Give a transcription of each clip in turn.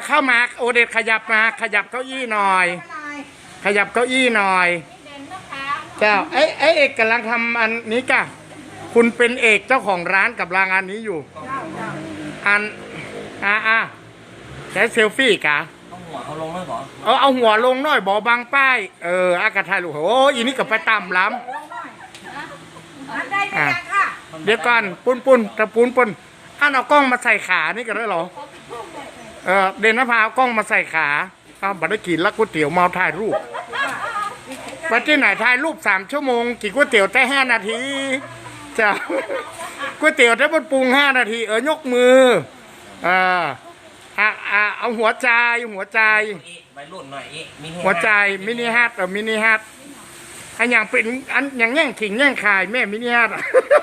เข้ามาโอเดตขยับมาขยับเก้าอี้หน่อย ขยับเก้าอี้หน่อยเจ้าไอ้เอกกำลังทำอันนี้กะคุณเป็นเอกเจ้าของร้านกับรางอันนี้อยู่อันใช้เซลฟี่กะเอาหัวเขาลงแล้วเหรอเอาหัวลงหน่อยบอบางป้ายอากาศไทยลูกโอ้อีนี่กับไปต่ำล้ำเดี๋ยวก่อนปุ้นตะปุ้นอันเอากล้องมาใส่ขานี่กันได้หรอเดนนภาเอากล้องมาใส่ขาบัตรกินแล้วก๋วยเตี๋ยวเมาถ่ายรูปไปที่ไหนถ่ายรูป3 ชั่วโมงกินก๋วยเตี๋ยวได้5 นาทีจ้ะก๋วยเตี๋ยวได้บนปรุง5 นาทียกมือเอาหัวใจใบรุ่นหน่อยหัวใจมินิฮัทมินิฮัทอันอย่างเป็นอันอย่างแง่งขิงแง่งขายแม่มินิฮัท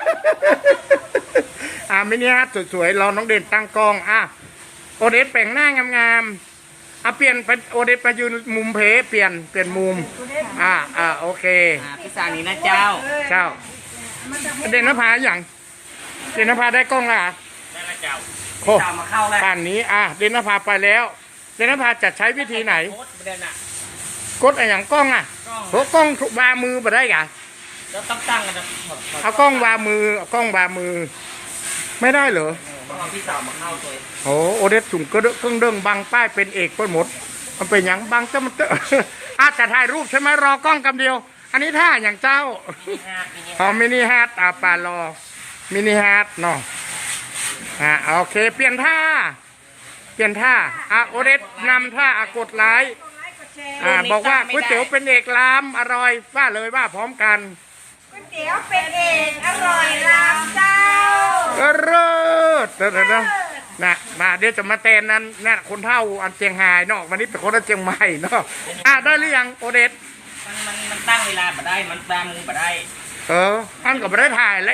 มินิฮัทสวยๆรอน้องเด่นตั้งกล้องโอเดสแปลงหน้างามๆเปลี่ยนไปโอเดสไปยืนมุมเพเปลี่ยนมุมโอเคพี่สานี้นะเจ้าเด่นนภาอย่างเด่นนภาได้กล้องละได้ละเจ้าโค้มาเข้าแล้วป่านนี้เด่นนภาไปแล้วเด่นนภาจะใช้วิธีไหนกดอย่างกล้องเพราะกล้องวามือมาได้กะแล้วตั้งกันนะเอากล้องวามือไม่ได้เหรอเอาพี่สาวมาเข้าตัวโอเดสสุ่มก็เครื่องเด้งบังป้ายเป็นเอกไปหมดมันเป็นอย่างบังจะมันจะถ่ายรูปใช่ไหมรอกล้องกำเดียวอันนี้ท่าอย่างเจ้ามินิฮาร์ดปลารอมินิฮาร์ดเนาะโอเคเปลี่ยนท่าโอเดสนำท่ากดไลค์บอกว่าก๋วยเตี๋ยวเป็นเอกล้ำอร่อยว่าเลยว่าพร้อมกันก๋วยเตี๋ยวเป็นเอกอร่อยล้ำเจ้าเลิศนะมาเดี๋ยวจะมาเต้นนั้นนะคนเท่าอันเชียงไฮ้เนาะวันนี้เป็นคนอันเชียงใหม่เนาะได้หรือยังโอเดสมันตั้งเวลามาได้มันตามมือมาได้อันก็ไม่ได้ถ่ายแล้ว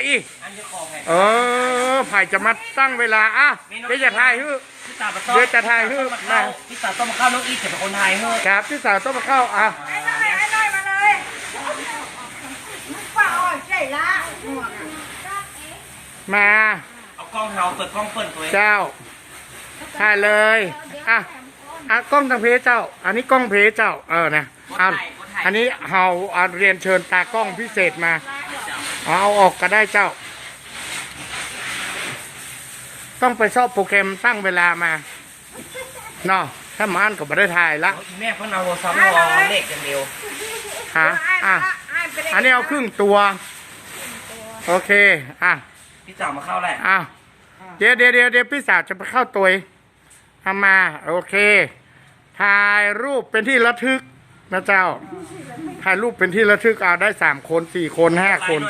ไผ่จะมาตั้งเวลาเดี๋ยวจะถ่ายฮื้อเดี๋ยวจะถ่ายฮื้อนะพี่สาวต้องมาเข้าน้องอีจะเป็นคนไทยฮื้อครับพี่สาวต้องมาเข้าไอ้น้อยมาเลยป้าอ้อยใจละมาเอากล้องเฮาเปิดกล้องเปิดตัวเจ้าถ่ายเลยกล้องทางเพจเจ้าอันนี้กล้องเพจเจ้านะอันนี้เฮาเรียนเชิญตากล้องพิเศษมาเอาออกก็ได้เจ้าต้องไปชอบโปรแกรมตั้งเวลามาเนาะถ้ามันก็ไม่ได้ถ่ายละแม่เพิ่งเอาซ้อมรอเลขอย่างเดียวอันนี้เอาครึ่งตัวโอเคพี่สาวมาเข้าแหละเดี๋ยวพี่สาวจะไปเข้าตัวทำมาโอเคถ่ายรูปเป็นที่ระทึกนะเจ้าถ่ายรูปเป็นที่ระทึกได้3 คน4 คน5 คน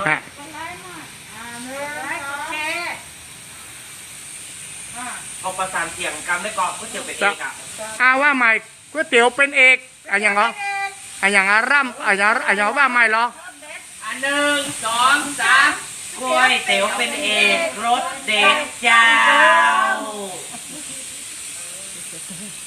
เอาประสานเสียงกำได้กรอบก๋วยเตี๋ยวเป็นเอกว่าใหม่ก๋วยเตี๋ยวเป็นเอกอย่างเหรออย่างร่ำอย่างว่าใหม่เหรอ 1 2 3ก๋วยเตี๋ยวเป็นเอกรสเด็ดเจ้า